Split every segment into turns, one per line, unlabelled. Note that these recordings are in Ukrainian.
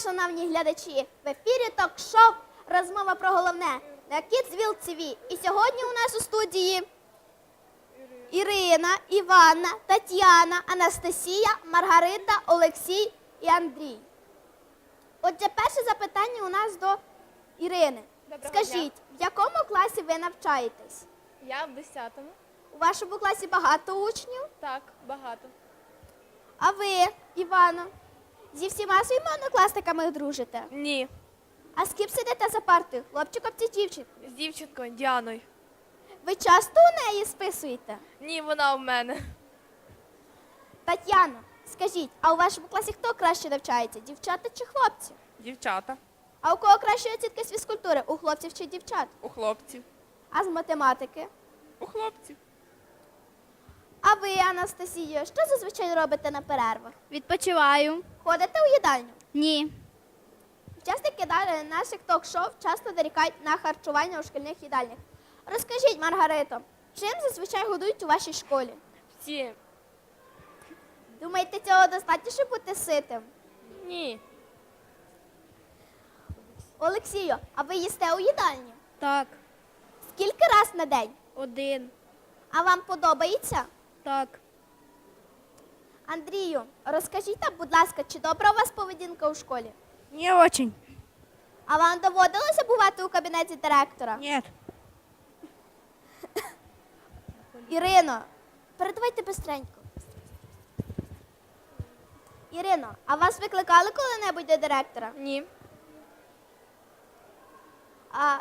шановні глядачі! В ефірі ток-шоу «Розмова про головне» на Kidsville TV. І сьогодні у нас у студії Ірина, Іванна, Тетяна, Анастасія, Маргарита, Олексій і Андрій. Отже, перше запитання у нас до Ірини.
Доброго
Скажіть, в якому класі ви навчаєтесь?
Я в 10-му.
У вашому класі багато учнів?
Так, багато.
А ви, Івано, зі всіма своїми однокласниками дружите?
Ні.
А з ким сидите за партою, хлопчиком чи дівчинкою?
З дівчинкою Діаною.
Ви часто у неї списуєте?
Ні, вона в мене.
Тетяно, скажіть, а у вашому класі хто краще навчається, дівчата чи хлопці?
Дівчата.
А у кого кращі оцінки з фізкультури, у хлопців чи дівчат?
У хлопців.
А з математики?
У хлопців.
А ви, Анастасія, що зазвичай робите на перервах?
Відпочиваю.
Ходите у їдальню?
Ні.
Учасники наших ток-шоу часто дорікають на харчування у шкільних їдальнях. Розкажіть, Маргарито, чим зазвичай годують у вашій школі?
Всі.
Думаєте, цього достатньо, щоб бути ситим?
Ні.
Олексію, а ви їсте у їдальні?
Так.
Скільки раз на день?
1.
А вам подобається?
Так.
Андрію, розкажіть нам, будь ласка, чи добра у вас поведінка у школі?
Не очень.
А вам доводилося бувати у кабінеті директора?
Нет.
Ірино, передавайте бистренько. Ірино, а вас викликали коли-небудь до директора?
Ні.
А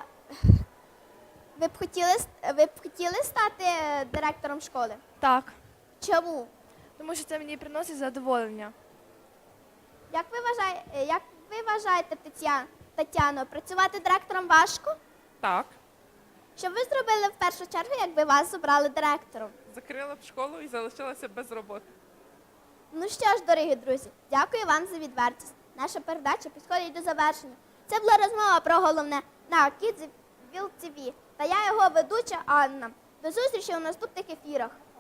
ви б хотіли стати директором школи?
Так.
Чому?
Тому що це мені приносить задоволення.
Як ви вважаєте, Тетяно, працювати директором важко?
Так.
Що б ви зробили в першу чергу, якби вас обрали директором?
Закрила б школу і залишилася без роботи.
Ну що ж, дорогі друзі, дякую вам за відвертість. Наша передача підходить до завершення. Це була розмова про головне на Kidsville TV. Та я його ведуча Анна. До зустрічі у наступних ефірах.